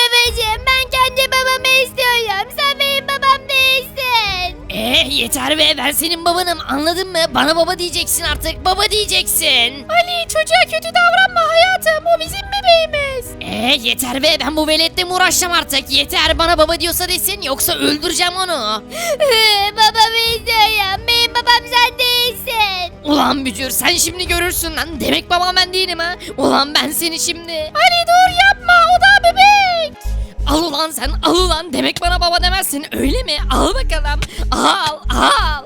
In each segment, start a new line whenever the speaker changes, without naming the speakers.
Babacığım ben kendi babamı istiyorum. Sen benim babam değilsin.
Yeter be, ben senin babanım, anladın mı? Bana baba diyeceksin artık, baba diyeceksin.
Ali çocuğa kötü davranma hayatım. O bizim bebeğimiz.
Yeter be, ben bu veletle mi uğraşacağım artık? Yeter, bana baba diyorsa desin, yoksa öldüreceğim onu.
Babamı istiyorum. Benim babam sen değilsin.
Ulan bücür, sen şimdi görürsün lan. Demek babam ben değilim ha. Ulan ben seni şimdi.
Ali dur yapma, o da bebek.
Al ulan sen, al ulan. Demek bana baba demezsin, öyle mi? Al bakalım. Al, al.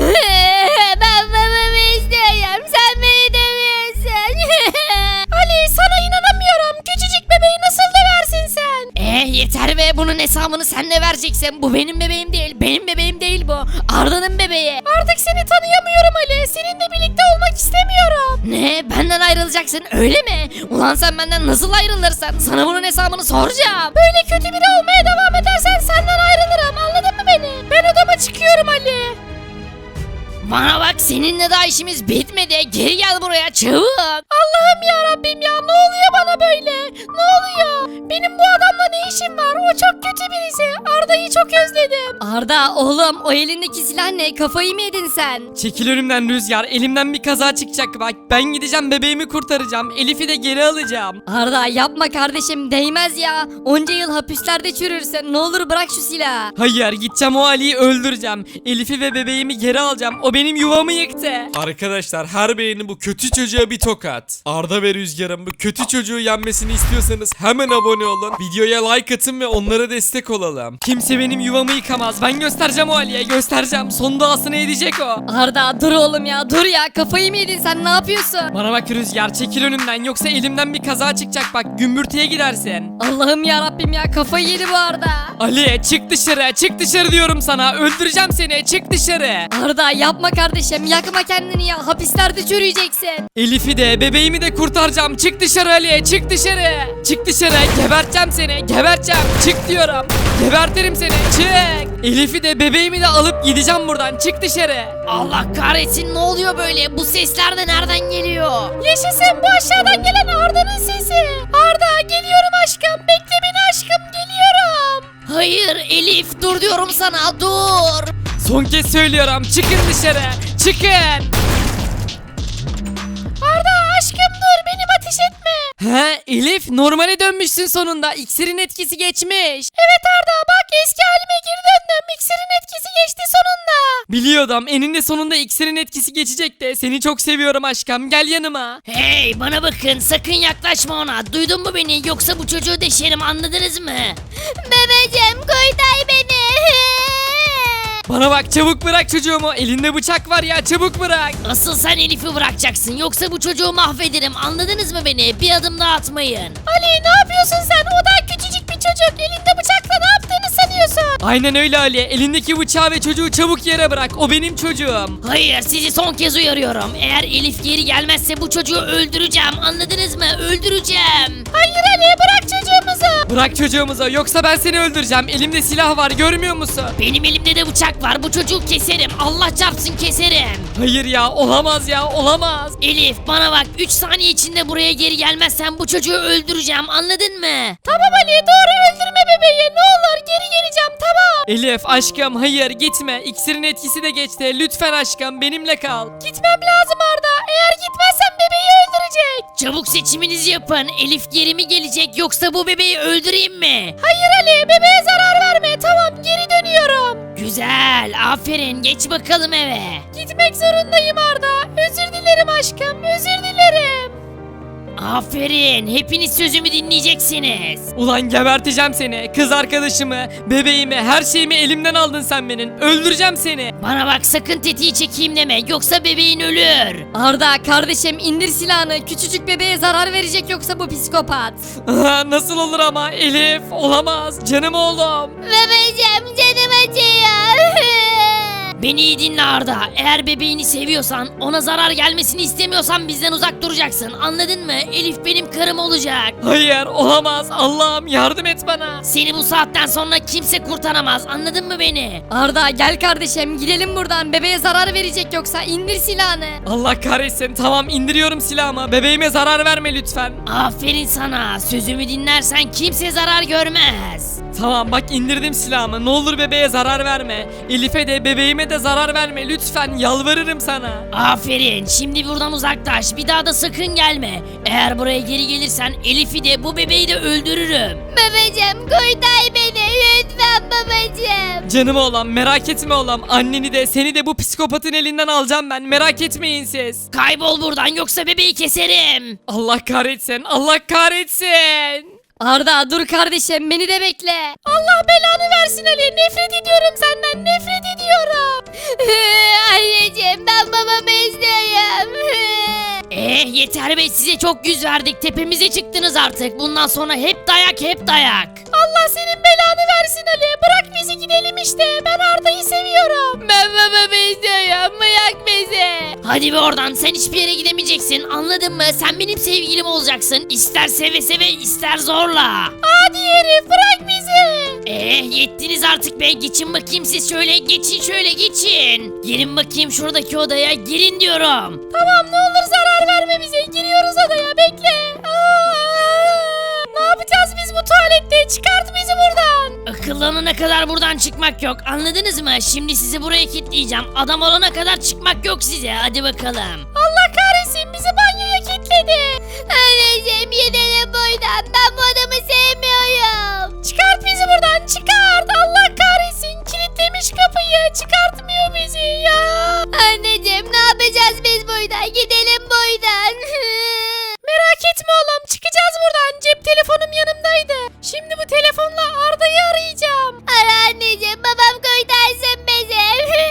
Ben babamı istiyorum. Sen beni dövüyorsun. Ali sana inanamıyorum. Küçücük bebeği nasıl döversin sen?
Yeter be, bunun hesabını sen de vereceksin. Bu benim bebeğim değil, benim bebeğim değil bu. Arda'nın bebeği.
Artık seni tanıyamıyorum Ali. Seninle birlikte olmak istemiyorum.
Ne? Benden ayrılacaksın, öyle mi? Ulan sen benden nasıl ayrılırsan, sana bunun hesabını soracağım.
Böyle kötü biri olmaya devam edersen senden ayrılırım. Anladın mı beni? Ben odama çıkıyorum Ali.
Bana bak, seninle daha işimiz bitmedi. Geri gel buraya çabuk.
Allah'ım ya Rabbim ya, ne oluyor bana böyle? Ne oluyor? Benim bu adamla ne işim var? O çok kötü birisi. Arda'yı çok özledim.
Arda oğlum, o elindeki silah ne? Kafayı mı yedin sen?
Çekil önümden Rüzgar, elimden bir kaza çıkacak bak. Ben gideceğim, bebeğimi kurtaracağım. Elif'i de geri alacağım.
Arda yapma kardeşim, değmez ya. Onca yıl hapislerde çürürsün. Ne olur bırak şu silahı.
Hayır, gideceğim, o Ali'yi öldüreceğim. Elif'i ve bebeğimi geri alacağım. O benim yuvamı yıktı.
Arkadaşlar, her beğeni bu kötü çocuğa bir tokat. Arda ve Rüzgar'ın bu kötü çocuğu yenmesini istiyorsanız hemen abone olun. Videoya like atın ve onlara destek olalım.
Kimse benim yuvamı yıkamaz. Ben göstereceğim o Ali'ye, göstereceğim. Son duasını edecek o.
Arda dur oğlum ya, dur ya. Kafayı mı yedin sen, ne yapıyorsun?
Bana bak Rüzgar, çekil önümden, yoksa elimden bir kaza çıkacak bak, gümbürtüye gidersin.
Allah'ım ya Rabbim ya, kafayı yedi bu Arda.
Ali çık dışarı, çık dışarı diyorum sana, öldüreceğim seni, çık dışarı.
Arda yapma kardeşim, yakma kendini ya. Hapislerde çürüyeceksin.
Elif'i de bebeğimi de kurtaracağım, çık dışarı Ali, çık dışarı. Çık dışarı, geberteceğim seni, geberteceğim, çık diyorum. Gebertirim seni, çık. Elif'i de bebeğimi de alıp gideceğim buradan, çık dışarı.
Allah kahretsin, ne oluyor böyle? Bu sesler de nereden geliyor?
Yaşasın, bu aşağıdan gelen Arda'nın sesi. Arda geliyorum aşkım. Bekle beni aşkım, geliyorum.
Hayır Elif, dur diyorum sana, dur.
Son kez söylüyorum, çıkın dışarı, çıkın.
Arda aşkım dur, benim ateş etme.
He Elif, normale dönmüşsün sonunda, iksirin etkisi geçmiş.
Evet Arda bak, eski halime geri döndüm. İksirin etkisi geçti sonunda.
Biliyordum, eninde sonunda iksirin etkisi geçecek de. Seni çok seviyorum aşkım, gel yanıma.
Hey bana bakın, sakın yaklaşma ona. Duydun mu beni? Yoksa bu çocuğu deşerim, anladınız mı?
Babacığım kurtar beni.
Bana bak, çabuk bırak çocuğumu, elinde bıçak var ya, çabuk bırak.
Asıl sen Elif'i bırakacaksın, yoksa bu çocuğu mahvederim, anladınız mı beni? Bir adım daha atmayın.
Ali ne yapıyorsun sen? O da küçücük bir çocuk. Elinde bıçakla ne yaptığını sanıyorsun?
Aynen öyle Ali, elindeki bıçağı ve çocuğu çabuk yere bırak, o benim çocuğum.
Hayır, sizi son kez uyarıyorum. Eğer Elif geri gelmezse bu çocuğu öldüreceğim, anladınız mı? Öldüreceğim.
Hayır Ali, bırak çocuğumuzu.
Bırak çocuğumuzu, yoksa ben seni öldüreceğim, elimde silah var, görmüyor musun?
Benim elimde de bıçak var, bu çocuğu keserim. Allah çarpsın keserim.
Hayır ya, olamaz ya, olamaz.
Elif bana bak, 3 saniye içinde buraya geri gelmezsen bu çocuğu öldüreceğim, anladın mı?
Tamam Ali, doğru, öldürme bebeği. Ne olur geri geleceğim, tamam.
Elif aşkım, hayır gitme, iksirin etkisi de geçti, lütfen aşkım benimle kal.
Gitmem lazım Arda. Eğer gitmezsem bebeği öldürecek.
Çabuk seçiminizi yapın. Elif geri mi gelecek, yoksa bu bebeği öldüreyim mi?
Hayır Ali, bebeğe zarar verme. Tamam, geri dönüyorum.
Güzel, aferin, geç bakalım eve.
Gitmek zorundayım Arda. Özür dilerim aşkım, özür dilerim.
Aferin, hepiniz sözümü dinleyeceksiniz.
Ulan geberteceğim seni, kız arkadaşımı, bebeğimi, her şeyimi elimden aldın sen benim, öldüreceğim seni.
Bana bak, sakın tetiği çekeyim deme, yoksa bebeğin ölür. Arda kardeşim, indir silahını. Küçücük bebeğe zarar verecek yoksa bu psikopat.
Nasıl olur ama Elif, olamaz, canım oğlum.
Babacığım canım acıyor.
Beni iyi dinle Arda. Eğer bebeğini seviyorsan, ona zarar gelmesini istemiyorsan bizden uzak duracaksın. Anladın mı? Elif benim karım olacak.
Hayır olamaz Allah'ım yardım et bana.
Seni bu saatten sonra kimse kurtaramaz. Anladın mı beni?
Arda gel kardeşim gidelim buradan. Bebeğe zarar verecek yoksa indir silahını.
Allah kahretsin tamam indiriyorum silahımı. Bebeğime zarar verme lütfen.
Aferin sana. Sözümü dinlersen kimse zarar görmez.
Tamam bak indirdim silahımı. Ne olur bebeğe zarar verme. Elif'e de bebeğime de zarar verme. Lütfen yalvarırım sana.
Aferin. Şimdi buradan uzaklaş. Bir daha da sakın gelme. Eğer buraya geri gelirsen Elif'i de bu bebeği de öldürürüm.
Babacım kurtar beni lütfen babacım.
Canım oğlum merak etme oğlum. Anneni de seni de bu psikopatın elinden alacağım ben. Merak etmeyin siz.
Kaybol buradan yoksa bebeği keserim.
Allah kahretsin. Allah kahretsin.
Arda dur kardeşim beni de bekle.
Allah belanı versin Ali. Nefret ediyorum senden. Nefret ediyorum.
Anneciğim ben babamı istiyorum.
Yeter be, size çok yüz verdik. Tepemize çıktınız artık. Bundan sonra hep dayak, hep dayak. Allah senin belanı versin Ali. Bırak bizi gidelim işte. Ben Arda'yı seviyorum.
Ben babamı istiyorum bırak bizi.
Hadi be oradan, sen hiçbir yere gidemeyeceksin. Anladın mı? Sen benim sevgilim olacaksın. İster seve seve ister zorla. Hadi herif bırak bizi. Yettiniz artık be. Geçin bakayım siz şöyle. Geçin şöyle geçin. Girin bakayım şuradaki odaya. Girin diyorum. Tamam ne olur zarar verme bize. Giriyoruz odaya, bekle. Ne yapacağız biz bu tuvalette? Çıkart bizi buradan. Akıllanana kadar buradan çıkmak yok. Anladınız mı? Şimdi sizi buraya kilitleyeceğim. Adam olana kadar çıkmak yok size. Hadi bakalım. Allah kahretsin, bizi banyoya kilitledi.
Anneciğim gidelim buradan ben bu adamı sevmiyorum.
Çıkart bizi buradan, çıkart. Allah kahretsin, kilitlemiş kapıyı. Çıkartmıyor bizi ya.
Anneciğim ne yapacağız biz burada gidelim buradan.
Merak etme oğlum, çıkacağız buradan. Cep telefonum yanımdaydı. Şimdi bu telefonla Arda'yı arayacağım.
Ara anneciğim babam kurtarsın bizi.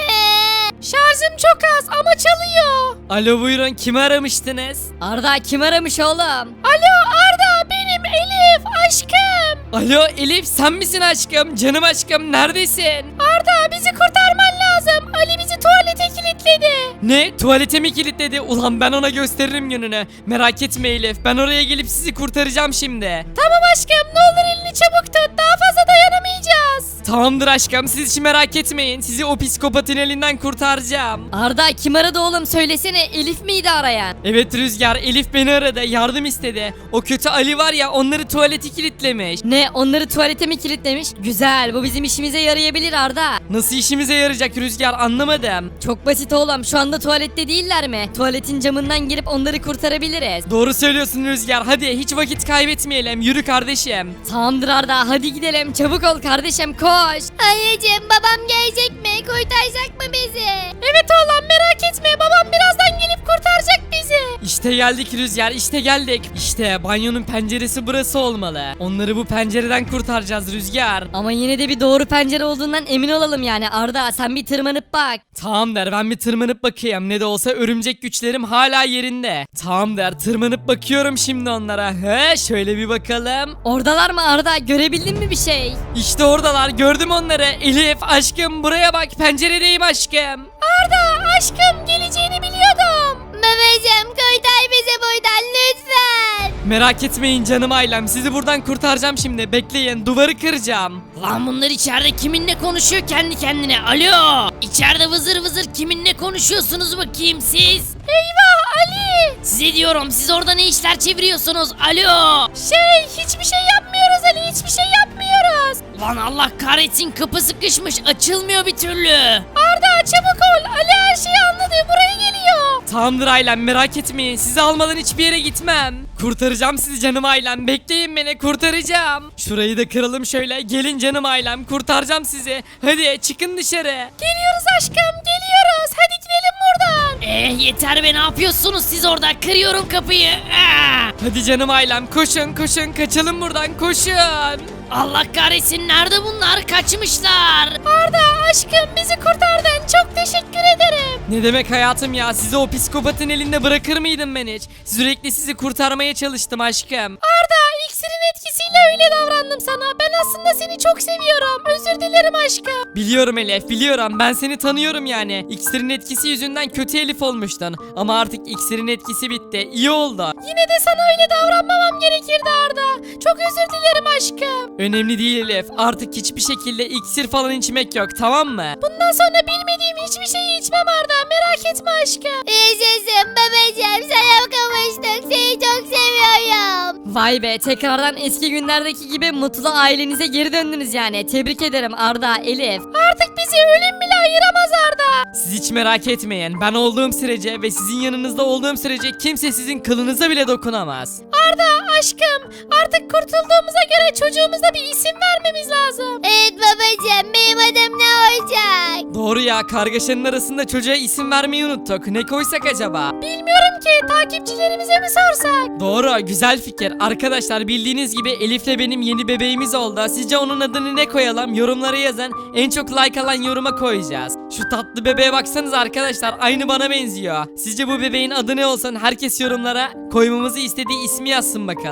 Şarjım çok az ama çalıyor.
Alo buyurun kimi aramıştınız?
Arda kim aramış oğlum?
Alo Arda, benim Elif aşkım.
Alo Elif sen misin aşkım? Canım aşkım neredesin?
Arda bizi kurtarman lazım. Ali bizi tuvalete kilitledi.
Ne? Tuvalete mi kilitledi? Ulan ben ona gösteririm gününü. Merak etme Elif ben oraya gelip sizi kurtaracağım şimdi.
Tamam aşkım, ne olur elini çabuk tut. Daha fazla dayanamayacağız.
Tamamdır aşkım siz hiç merak etmeyin. Sizi o psikopatın elinden kurtaracağım.
Arda kim aradı oğlum söylesene Elif miydi arayan?
Evet Rüzgar Elif beni aradı yardım istedi. O kötü Ali var ya onları tuvalete kilitlemiş.
Ne onları tuvalete mi kilitlemiş? Güzel bu bizim işimize yarayabilir Arda.
Nasıl işimize yarayacak Rüzgar anlamadım.
Çok basit oğlum şu anda tuvalette değiller mi? Tuvaletin camından girip onları kurtarabiliriz.
Doğru söylüyorsun Rüzgar hadi hiç vakit kaybetmeyelim yürü kardeşim.
Tamamdır Arda hadi gidelim çabuk ol kardeşim koş. Anneciğim babam gelecek mi? Kurtaracak mı bizi?
Evet oğlum merak etme, babam birazdan gelip kurtaracak bizi.
İşte geldik Rüzgar işte geldik. İşte banyonun penceresi burası olmalı. Onları bu pencereden kurtaracağız Rüzgar.
Ama yine de bir doğru pencere olduğundan emin olalım yani Arda sen bir tırmanıp bak.
Tamam der ben bir tırmanıp bakayım ne de olsa örümcek güçlerim hala yerinde. Tamam der tırmanıp bakıyorum şimdi onlara. He şöyle bir bakalım.
Oradalar mı Arda görebildin mi bir şey?
İşte oradalar gördüm onları. Elif aşkım buraya bak penceredeyim aşkım.
Arda aşkım, geleceğini biliyordum.
Babacım kurtar bizi buradan lütfen.
Merak etmeyin canım ailem sizi buradan kurtaracağım şimdi bekleyin duvarı kıracağım.
Lan bunlar içeride kiminle konuşuyor kendi kendine? Alo! İçeride vızır vızır kiminle konuşuyorsunuz bakayım siz? Eyvah Ali! Size diyorum, siz orada ne işler çeviriyorsunuz? Alo! Hiçbir şey yapmıyoruz Ali, hiçbir şey yapmıyoruz. Lan Allah kahretsin, kapı sıkışmış, açılmıyor bir türlü. Arda çabuk ol, Ali her şeyi anladı, buraya geliyor.
Tamamdır ailem merak etmeyin sizi almadan hiçbir yere gitmem. Kurtaracağım sizi canım ailem bekleyin beni kurtaracağım. Şurayı da kıralım şöyle gelin canım ailem kurtaracağım sizi. Hadi çıkın dışarı.
Geliyoruz aşkım, geliyoruz. Hadi gidelim buradan. Yeter be, ne yapıyorsunuz siz orada? Kırıyorum kapıyı.
Hadi canım ailem koşun koşun kaçalım buradan koşun.
Allah kahretsin, nerede bunlar? Kaçmışlar. Arda aşkım, bizi kurtardın. Çok teşekkür ederim.
Ne demek hayatım ya sizi o psikopatın elinde bırakır mıydım ben hiç? Sürekli sizi kurtarmaya çalıştım aşkım.
Arda, iksirin etkisiyle öyle davrandım sana. Ben aslında seni çok seviyorum. Özür dilerim.
dilerim aşkım.
Biliyorum Elif, biliyorum. Ben seni tanıyorum yani. İksirin etkisi yüzünden kötü Elif olmuştun. Ama artık iksirin etkisi bitti. İyi oldu.
Yine de sana öyle davranmamam gerekirdi Arda. Çok özür dilerim aşkım.
Önemli değil Elif. Artık hiçbir şekilde iksir falan içmek yok, tamam mı?
Bundan sonra bilmediğim hiçbir şeyi içmem Arda. Merak etme aşkım.
Yaşasın babacığım, sana kavuştuk. Seni çok seviyorum.
Vay be, tekrardan eski günlerdeki gibi mutlu ailenize geri döndünüz yani. Tebrik ederim Arda, Elif.
Artık bizi ölüm bile ayıramaz Arda.
Siz hiç merak etmeyin. Ben olduğum sürece ve sizin yanınızda olduğum sürece kimse sizin kılınıza bile dokunamaz.
Arda aşkım artık kurtulduğumuza göre çocuğumuza bir isim vermemiz lazım.
Evet babacığım, benim adım ne olacak?
Doğru ya, kargaşanın arasında çocuğa isim vermeyi unuttuk. Ne koysak acaba?
Bilmiyorum ki takipçilerimize mi sorsak?
Doğru, güzel fikir. Arkadaşlar bildiğiniz gibi Elif'le benim yeni bebeğimiz oldu. Sizce onun adını ne koyalım? Yorumlara yazın. En çok like alan yoruma koyacağız. Şu tatlı bebeğe baksanız arkadaşlar, aynı bana benziyor. Sizce bu bebeğin adı ne olsun? Herkes yorumlara koymamızı istediği ismi yazsın bakalım.